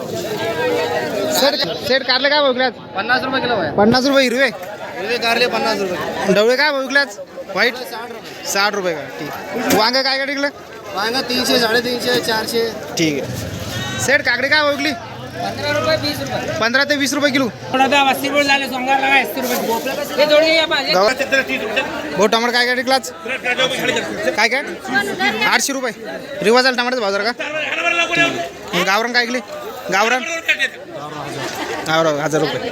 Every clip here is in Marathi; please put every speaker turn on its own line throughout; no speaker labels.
सेट कारले काय विकल्यात?
50 रुपये किलो आहे.
50 रुपये हिरवे.
हिरवे कारले 50 रुपये.
ढवळे काय विकल्यात? व्हाईट 60 रुपये का? ठीक. वांग काय विकलं?
वांगा 300, 350, 400.
ठीक आहे. सेट काकडी काय विकली?
15 रुपये 20 रुपये.
15 ते 20 रुपये किलो. भाऊ टमाटर काय विकलाच? काय 800 रुपये. रिवाज आला टमाटर बाजार का? गावरान काय विकली? गावरान 1000 रुपये.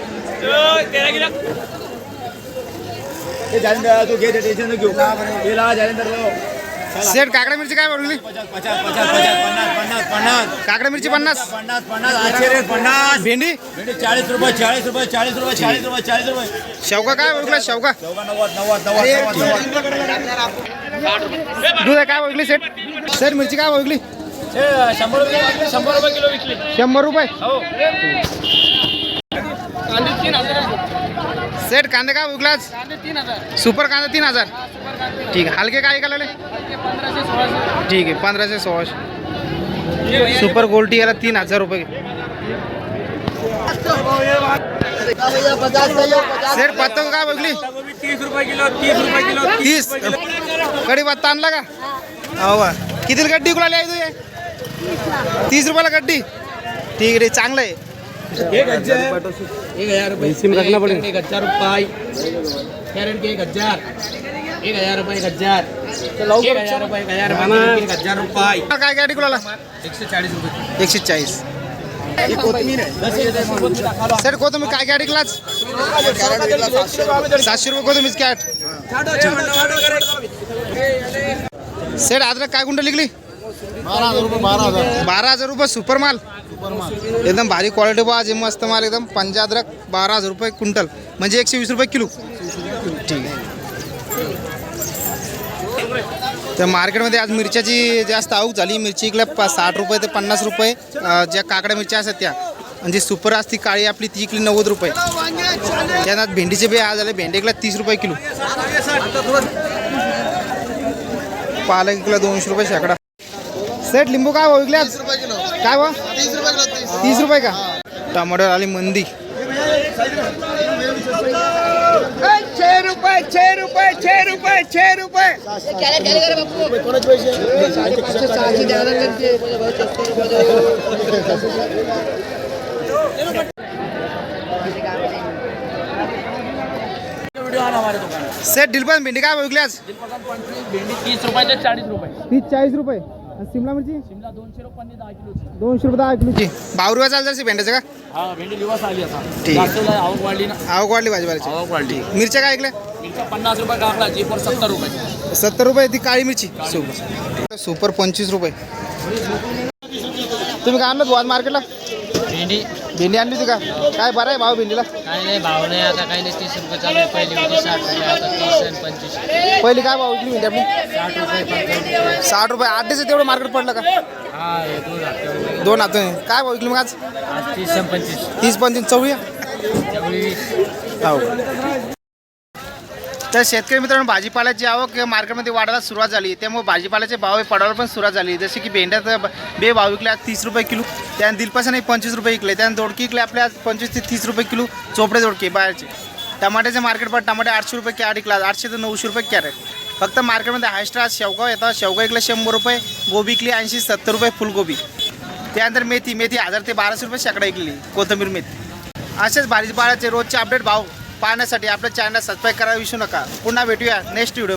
सेट काकडा मिरची काय विकली?
50.
काकडा मिरची 50.
50.
भेंडी
40 रुपये 40 रुपये 40 रुपये 40 रुपये 40 रुपये.
शेवगा काय विकला? शेवगा
90.
दूध काय विकली? सेट सेट मिरची काय विकली?
100 रुपये किलो विकली.
100 रुपये.
हो. कांदे 3000.
सेट कांदे काय विकलाच?
कांदे 3000.
सुपर कांदा 3000. ठीक आहे. हलके काय विकायला?
1500 1600.
ठीक आहे. 1500 1600. सुपर गोल्टी याला 3000 रुपये. सेट पत्ता काय विकली?
30 रुपये किलो 30 रुपये किलो
30. कडी पत्ता आणला का? हो का? कितीला गड्डी विकला आहे तू? 30 रुपयाला गड्डी. ठीक आहे. चांगलं आहे.
1000 रुपये सिम रखना पड़ेगा. 1000 रुपये कैरेट के 1000. 1000 रुपये 1000. 1000 रुपये 1000 रुपये.
काय गाडी कुणाला?
140 रुपये.
140. सर कोथंबीर काय गाडी क्लास? 700 रुपये कोथंबीर कॅट. सर अद्रक काय गुंड लिखली?
12,000 रुपये.
12,000 रुपये. सुपर माल एकदम भारी क्वालिटी बा. जे मस्त माल एकदम. पंजा अद्रक 12,000 रुपये क्विंटल म्हणजे 120 रुपये किलो. ठीक आहे. तर मार्केटमध्ये आज मिरच्याची जास्त आवक झाली. मिरची इकल्या 60 रुपये ते 50 रुपये. ज्या काकड्या मिरच्या असतात त्या म्हणजे सुपर असती काळी आपली ती इकली 90 रुपये. त्यानंतर भेंडीचे बी आज झाले. भेंडी इकल्या 30 रुपये किलो. पालक इकला 200 रुपये शेकडा. सेट लिंबू काय भाव विकले आज? काय भाव? 30 रुपये का? टमाटर आली मंदी.
6 रुपये 6 रुपये 6 रुपये 6 रुपये.
सेट दिलपन भेंडी काय भाव विकले आज?
भेंडी 30 रुपये ते 40 रुपये.
30-40 रुपये. शिमला मिरची
शिमला 200 रुपये 10 किलोची.
200 रुपये 10 किलोची. भावरुवा चालतं भेंड्याचं का?
हा भेंडी दिवस आली आता.
ठीक.
जास्त आवक वाढली ना.
आवक वाढली भाजीपाल्याची.
आवक वाढली.
मिरच्या काय ऐकल्या?
मिरच्या 50 रुपये कापला. जी पर 70 रुपये.
70 रुपये ती काळी मिरची. सुपर 25 रुपये. तुम्ही काय आणलं आज मार्केटला?
भेंडी
भेंडी आणली होती का? काय बरं आहे भाव भेंडीला?
काही नाही भाव नाही आता. काही नाही 30 रुपये चालू आहे. पहिली होती 60 रुपये. आता 30 आणि 25.
पहिली काय भाव विकली भेंडी आपली?
60 रुपये 55 रुपये.
60 रुपये. 8 दिवस तेवढं मार्केट पडलं का?
हा हे 2 रुपये.
2 हात. काय भाव विकली मग आज?
आज 30 आणि 25.
30-35 चवळी.
त्यामुळे
हो. तर शेतकरी मित्रांनो भाजीपाल्याची आवक मार्केटमध्ये वाढायला सुरुवात झाली. त्यामुळे भाजीपाल्याचे भाव पडायला पण सुरुवात झाली. जसे की भेंड्यात बे भाव विकले आज 30 रुपये किलो. त्यानंतर दिलपासाने 25 रुपये विकले. त्यानंतर दोडकी विकले आपल्या आज 25 ते 30 रुपये किलो. चोपडे दोडके बाहेरचे. टमाट्याचे मार्केट पण टमाटे 800 रुपये कॅरेट विकला. 800 ते 900 रुपये कॅरेट. फक्त मार्केटमध्ये हायस्ट आज शेवगाव येतात. शेवगा विकले 100 रुपये. गोबी विकली 80-70 रुपये फुलगोबी. त्यानंतर मेथी 1000 ते 1200 रुपये शेकडा विकली. कोथिंबीर मेथी. असेच भाजीपाल्याचे रोजचे अपडेट भाव पाहण्यासाठी आपल्या चॅनल सबस्क्राईब करायला विसरू नका. पुन्हा भेटूया नेक्स्ट व्हिडिओ.